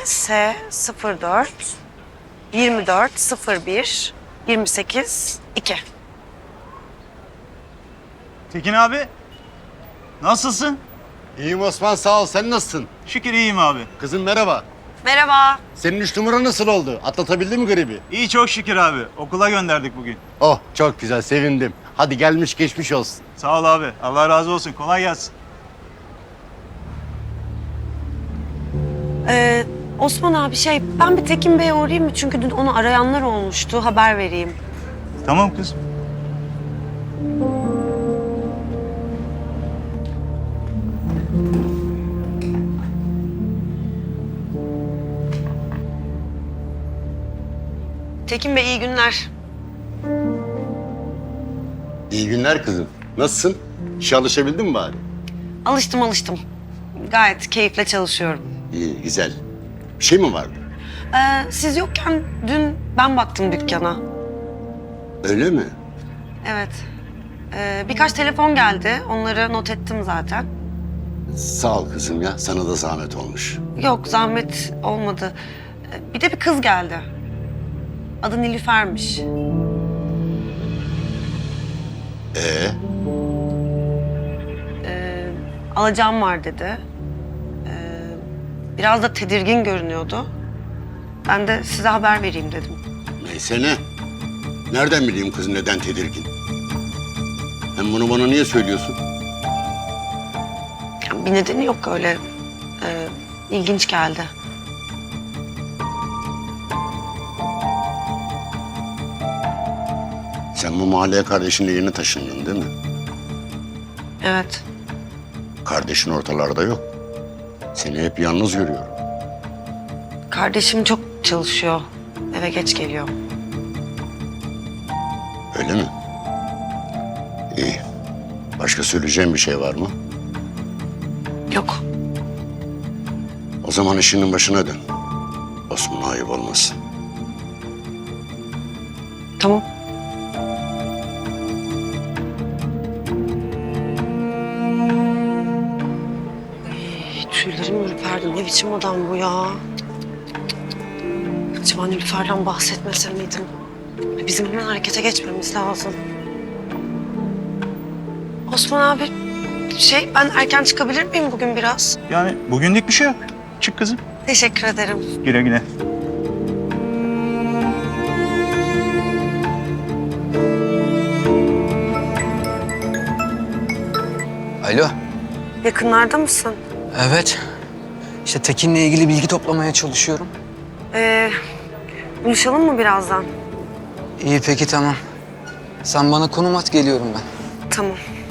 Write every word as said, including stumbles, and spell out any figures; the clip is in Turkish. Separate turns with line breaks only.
S sıfır dört yirmi dört sıfır bir yirmi sekiz iki.
Tekin abi, nasılsın?
İyiyim Osman, sağ ol. Sen nasılsın?
Şükür iyiyim abi.
Kızım merhaba.
Merhaba.
Senin üç numara nasıl oldu? Atlatabildin mi gribi?
İyi çok şükür abi. Okula gönderdik bugün.
Oh, çok güzel, sevindim. Hadi gelmiş geçmiş olsun.
Sağ ol abi. Allah razı olsun. Kolay gelsin.
Ee, Osman abi şey ben bir Tekin Bey'e uğrayayım mı? Çünkü dün onu arayanlar olmuştu. Haber vereyim.
Tamam kızım.
Tekin Bey iyi günler.
İyi günler kızım. Nasılsın? İşe alışabildin mi bari?
Alıştım alıştım. Gayet keyifle çalışıyorum.
İyi, güzel. Bir şey mi vardı?
Ee, siz yokken dün ben baktım dükkana.
Öyle mi?
Evet. Ee, birkaç telefon geldi. Onları not ettim zaten.
Sağ ol kızım ya. Sana da zahmet olmuş.
Yok zahmet olmadı. Ee, bir de bir kız geldi. Adı Nilüfer'miş.
Ee,
Ee, alacağım var dedi. Ee, biraz da tedirgin görünüyordu. Ben de size haber vereyim dedim.
neyse ne? Nereden bileyim kız neden tedirgin? Hem bunu bana niye söylüyorsun?
Yani bir nedeni yok öyle. Ee, ilginç geldi.
Sen bu mahalleye kardeşinle yeni taşındın değil mi?
Evet.
Kardeşin ortalarda yok. Seni hep yalnız görüyorum.
Kardeşim çok çalışıyor. Eve geç geliyor.
Öyle mi? İyi. Başka söyleyeceğim bir şey var mı?
Yok.
O zaman işinin başına dön. Osman'a ayıp olmasın.
Tamam. Ay, tüylerim ürperdi. Ne biçim adam bu ya? Acaba Nilüfer'den bahsetmese miydim? Bizim hemen harekete geçmemiz lazım. Osman abi, şey ben erken çıkabilir miyim bugün biraz?
Yani bugünlük bir şey yok. Çık kızım.
Teşekkür ederim.
Güle güle.
Alo.
Yakınlarda mısın?
Evet. İşte Tekin'le ilgili bilgi toplamaya çalışıyorum.
Ee, buluşalım mı birazdan?
İyi peki tamam. Sen bana konum at geliyorum ben.
Tamam.